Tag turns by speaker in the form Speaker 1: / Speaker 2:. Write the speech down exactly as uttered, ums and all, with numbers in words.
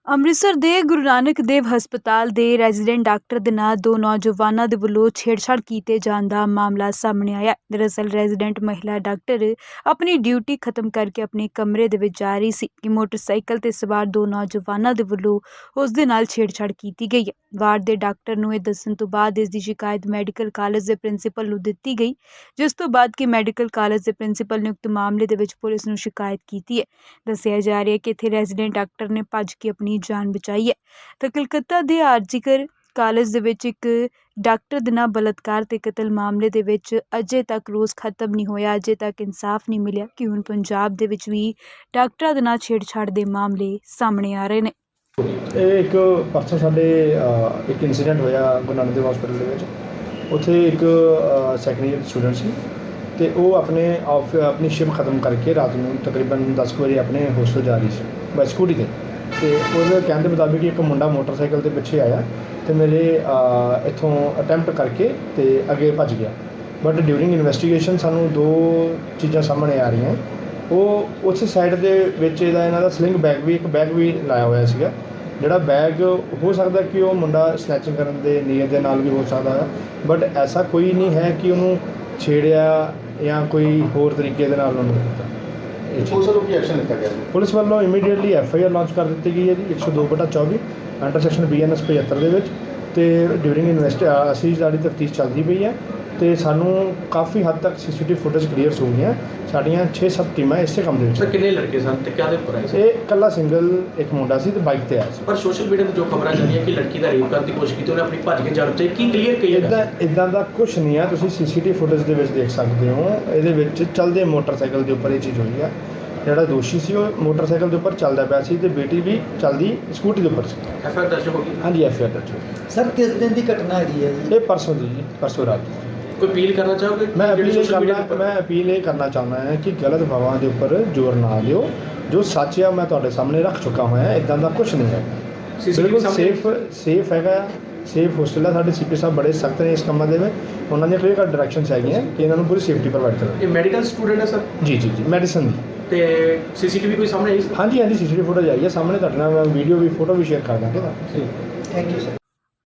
Speaker 1: ਅੰਮ੍ਰਿਤਸਰ ਦੇ ਗੁਰੂ ਨਾਨਕ ਦੇਵ ਹਸਪਤਾਲ ਦੇ ਰੈਜ਼ੀਡੈਂਟ ਡਾਕਟਰ ਦੇ ਨਾਲ ਦੋ ਨੌਜਵਾਨਾਂ ਦੇ ਵੱਲੋਂ ਛੇੜਛਾੜ ਕੀਤੇ ਜਾਣ ਦਾ ਮਾਮਲਾ ਸਾਹਮਣੇ ਆਇਆ। ਦਰਅਸਲ ਰੈਜ਼ੀਡੈਂਟ ਮਹਿਲਾ ਡਾਕਟਰ ਆਪਣੀ ਡਿਊਟੀ ਖਤਮ ਕਰਕੇ ਆਪਣੇ ਕਮਰੇ ਦੇ ਵਿੱਚ ਜਾ ਰਹੀ ਸੀ ਕਿ ਮੋਟਰਸਾਈਕਲ ਤੇ ਸਵਾਰ ਦੋ ਨੌਜਵਾਨਾਂ ਦੇ ਵੱਲੋਂ ਉਸ ਦੇ ਨਾਲ ਛੇੜਛਾੜ ਕੀਤੀ ਗਈ ਹੈ। ਵਾਰਡ ਦੇ ਡਾਕਟਰ ਨੂੰ ਇਹ ਦੱਸਣ ਤੋਂ ਬਾਅਦ ਇਸ ਦੀ ਸ਼ਿਕਾਇਤ ਮੈਡੀਕਲ ਕਾਲਜ ਦੇ ਪ੍ਰਿੰਸੀਪਲ ਨੂੰ ਦਿੱਤੀ ਗਈ, ਜਿਸ ਤੋਂ ਬਾਅਦ ਕਿ ਮੈਡੀਕਲ ਕਾਲਜ ਦੇ ਪ੍ਰਿੰਸੀਪਲ ਨੇ ਉਕਤ ਮਾਮਲੇ ਦੇ ਵਿੱਚ ਪੁਲਿਸ ਨੂੰ ਸ਼ਿਕਾਇਤ ਕੀਤੀ ਹੈ। ਦੱਸਿਆ ਜਾ ਰਿਹਾ ਹੈ ਕਿ ਇੱਥੇ ਰੈਜ਼ੀਡੈਂਟ ਡਾਕਟਰ ਨੇ ਭੱਜ ਕੇ ਆਪਣੀ ਜਾਨ ਬਚਾਈ ਹੈ। ਤਾਂ ਕਲਕੱਤਾ ਦੇ ਆਰਜੀਕਰ ਕਾਲਜ ਦੇ ਵਿੱਚ ਇੱਕ ਡਾਕਟਰ ਦੇ ਨਾਲ ਬਲਾਤਕਾਰ ਤੇ ਕਤਲ ਮਾਮਲੇ ਦੇ ਵਿੱਚ ਅਜੇ ਤੱਕ ਰੋਜ਼ ਖਤਮ ਨਹੀਂ ਹੋਇਆ, ਅਜੇ ਤੱਕ ਇਨਸਾਫ ਨਹੀਂ ਮਿਲਿਆ ਕਿ ਹੁਣ ਪੰਜਾਬ ਦੇ ਵਿੱਚ ਵੀ ਡਾਕਟਰਾਂ ਦੇ ਨਾਲ ਛੇੜਛਾੜ ਦੇ ਮਾਮਲੇ ਸਾਹਮਣੇ ਆ ਰਹੇ ਨੇ।
Speaker 2: ਇਹ ਇੱਕ ਪਰਸੋਂ ਸਾਡੇ ਇੱਕ ਇਨਸੀਡੈਂਟ ਹੋਇਆ ਗੁਰੂ ਨਾਨਕ ਦੇਵ ਹਸਪੀਟਲ ਦੇ ਵਿੱਚ। ਉੱਥੇ ਇੱਕ ਸੈਕੰਡ ਈਅਰ ਸਟੂਡੈਂਟ ਸੀ ਅਤੇ ਉਹ ਆਪਣੇ ਆਫ ਆਪਣੀ ਸ਼ਿਫਟ ਖਤਮ ਕਰਕੇ ਰਾਤ ਨੂੰ ਤਕਰੀਬਨ ਦਸ ਕੁ ਵਜੇ ਆਪਣੇ ਹੋਸਟਲ ਜਾ ਰਹੀ ਸੀ ਬਾਈ ਸਕੂਟੀ 'ਤੇ। ਅਤੇ ਉਹਦੇ ਕਹਿਣ ਦੇ ਮੁਤਾਬਿਕ ਇੱਕ ਮੁੰਡਾ ਮੋਟਰਸਾਈਕਲ ਦੇ ਪਿੱਛੇ ਆਇਆ ਅਤੇ ਮੇਰੇ ਇੱਥੋਂ ਅਟੈਂਪਟ ਕਰਕੇ ਅਤੇ ਅੱਗੇ ਭੱਜ ਗਿਆ। ਬਟ ਡਿਊਰਿੰਗ ਇਨਵੈਸਟੀਗੇਸ਼ਨ ਸਾਨੂੰ ਦੋ ਚੀਜ਼ਾਂ ਸਾਹਮਣੇ ਆ ਰਹੀਆਂ। ਉਹ ਉਸ ਸਾਈਡ ਦੇ ਵਿੱਚ ਇਹਦਾ ਇਹਨਾਂ ਦਾ ਸਲਿੰਗ ਬੈਗ ਵੀ ਇੱਕ ਬੈਗ ਵੀ ਲਾਇਆ ਹੋਇਆ ਸੀਗਾ, ਜਿਹੜਾ ਬੈਗ ਹੋ ਸਕਦਾ ਕਿ ਉਹ ਮੁੰਡਾ ਸਨੈਚਿੰਗ ਕਰਨ ਦੇ ਨੀਅਤ ਦੇ ਨਾਲ ਵੀ ਹੋ ਸਕਦਾ ਹੈ। ਬਟ ਐਸਾ ਕੋਈ ਨਹੀਂ ਹੈ ਕਿ ਉਹਨੂੰ ਛੇੜਿਆ ਜਾਂ ਕੋਈ ਹੋਰ ਤਰੀਕੇ ਦੇ ਨਾਲ ਉਹਨੂੰ ਕੀਤਾ।
Speaker 3: ਪੁਲਿਸ ਵੱਲੋਂ ਕੀ ਐਕਸ਼ਨ ਲਿੱਤਾ ਗਿਆ?
Speaker 2: ਪੁਲਿਸ ਵੱਲੋਂ immediately F I R launch ਕਰ ਦਿੱਤੀ ਗਈ ਹੈ ਜੀ ਇੱਕ ਸੌ ਦੋ ਬਟਾ ਚੌਵੀ under section B N S ਪਝੱਤਰ ਦੇ ਵਿੱਚ। ਅਤੇ ਡਿਊਰਿੰਗ ਇਨਵੈਸਟ ਅਸੀਂ ਸਾਡੀ ਤਫਤੀਸ਼ ਚੱਲਦੀ ਪਈ ਹੈ ਅਤੇ ਸਾਨੂੰ ਕਾਫੀ ਹੱਦ ਤੱਕ ਸੀ ਸੀ ਟੀ ਵੀ ਫੁਟੇਜ ਕਲੀਅਰਸ ਹੋ ਗਈਆਂ। ਸਾਡੀਆਂ ਛੇ ਸੱਤ ਟੀਮਾਂ ਇਸੇ ਕੰਮ ਦੇ ਵਿੱਚ।
Speaker 3: ਸਰ ਕਿੰਨੇ ਲੜਕੇ ਸਨ ਤੇ ਕਿਹਦੇ ਉੱਪਰ ਆਏ ਸੀ?
Speaker 2: ਇਹ ਇਕੱਲਾ ਸਿੰਗਲ ਇੱਕ ਮੁੰਡਾ ਸੀ ਤੇ ਬਾਈਕ ਤੇ ਆਇਆ ਸੀ।
Speaker 3: ਪਰ ਸੋਸ਼ਲ ਮੀਡੀਆ 'ਤੇ ਜੋ ਖਬਰਾਂ ਚੱਲੀਆਂ ਕਿ ਲੜਕੀ ਦਾ ਰੇਪ ਕਰਨ ਦੀ ਕੋਸ਼ਿਸ਼ ਕੀਤੀ, ਉਹਨੇ ਆਪਣੀ ਭੱਜ ਕੇ ਜਾਣ ਤੇ ਕੀ ਕਲੀਅਰ ਕਹੀ?
Speaker 2: ਇੱਦਾਂ ਇੱਦਾਂ ਦਾ ਕੁਛ ਨਹੀਂ ਆ, ਤੁਸੀਂ ਸੀ ਸੀ ਟੀ ਵੀ ਫੁਟੇਜ ਦੇ ਵਿੱਚ ਦੇਖ ਸਕਦੇ ਹੋ। ਇਹਦੇ ਵਿੱਚ ਚੱਲਦੇ ਮੋਟਰਸਾਈਕਲ ਦੇ ਉੱਪਰ ਇਹ ਚੀਜ਼ ਹੋਈ ਆ। ਜਿਹੜਾ ਦੋਸ਼ੀ ਸੀ ਉਹ ਮੋਟਰਸਾਈਕਲ ਦੇ ਉੱਪਰ ਚੱਲਦਾ ਪਿਆ ਸੀ ਅਤੇ ਬੇਟੀ ਵੀ ਚੱਲਦੀ ਸਕੂਟੀ ਦੇ ਉੱਪਰ ਸੀ।
Speaker 3: ਐਫ ਆਈ ਆਰ ਦਰਜ ਹੋ ਗਈ?
Speaker 2: ਹਾਂਜੀ ਐਫ ਆਈ ਆਰ ਦਰਜ ਹੋ ਗਈ।
Speaker 4: ਸਰ ਕਿਸ ਦਿਨ ਦੀ ਘਟਨਾ ਹੈਗੀ ਹੈ ਜੀ?
Speaker 2: ਇਹ ਪਰਸੋਂ ਦੀ ਜੀ, ਪਰਸੋਂ ਰਾਤ ਦੀ।
Speaker 3: ਕੋਈ ਅਪੀਲ ਕਰਨਾ ਚਾਹੋਗੇ?
Speaker 2: ਮੈਂ ਅਪੀਲ ਇਹ ਕਰਨਾ ਮੈਂ ਅਪੀਲ ਇਹ ਕਰਨਾ ਚਾਹੁੰਦਾ ਹਾਂ ਕਿ ਗਲਤ ਹਵਾਵਾਂ ਦੇ ਉੱਪਰ ਜ਼ੋਰ ਨਾ ਦਿਓ। ਜੋ ਸੱਚ ਆ ਮੈਂ ਤੁਹਾਡੇ ਸਾਹਮਣੇ ਰੱਖ ਚੁੱਕਾ ਹੋਇਆ। ਇੱਦਾਂ ਦਾ ਕੁਛ ਨਹੀਂ ਹੈ। ਬਿਲਕੁਲ ਸੇਫ ਸੇਫ ਹੈਗਾ, ਸੇਫ ਹੋਸਟਲ ਹੈ। ਸਾਡੇ ਸੀ ਪੀ ਸਾਹਿਬ ਬੜੇ ਸਖਤ ਨੇ ਇਸ ਕੰਮਾਂ ਦੇ ਵਿੱਚ। ਉਹਨਾਂ ਦੀਆਂ ਕਲੀਅਰ ਕੱਟ ਡਾਇਰੈਕਸ਼ਨਸ ਹੈਗੀਆਂ ਕਿ ਇਹਨਾਂ ਨੂੰ ਪੂਰੀ ਸੇਫਟੀ ਪ੍ਰੋਵਾਈਡ ਕਰੋ।
Speaker 3: ਇਹ ਮੈਡੀਕਲ ਸਟੂਡੈਂਟ ਹੈ ਸਰ?
Speaker 2: ਜੀ ਜੀ ਜੀ ਮੈਡੀਸਨ ਦੀ।
Speaker 3: ਤੇ ਸੀ ਸੀ ਟੀ ਵੀ ਕੋਈ ਸਾਹਮਣੇ ਆਈ?
Speaker 2: ਹਾਂਜੀ ਹਾਂਜੀ ਸੀ ਸੀ ਟੀ ਵੀ ਫੋਟੋ ਆਈ ਹੈ ਸਾਹਮਣੇ। ਤੁਹਾਡੇ ਨਾਲ ਮੈਂ ਵੀਡੀਓ ਵੀ ਫੋਟੋ ਵੀ ਸ਼ੇਅਰ ਕਰ ਦਾਂਗੇ।
Speaker 4: Thank you sir.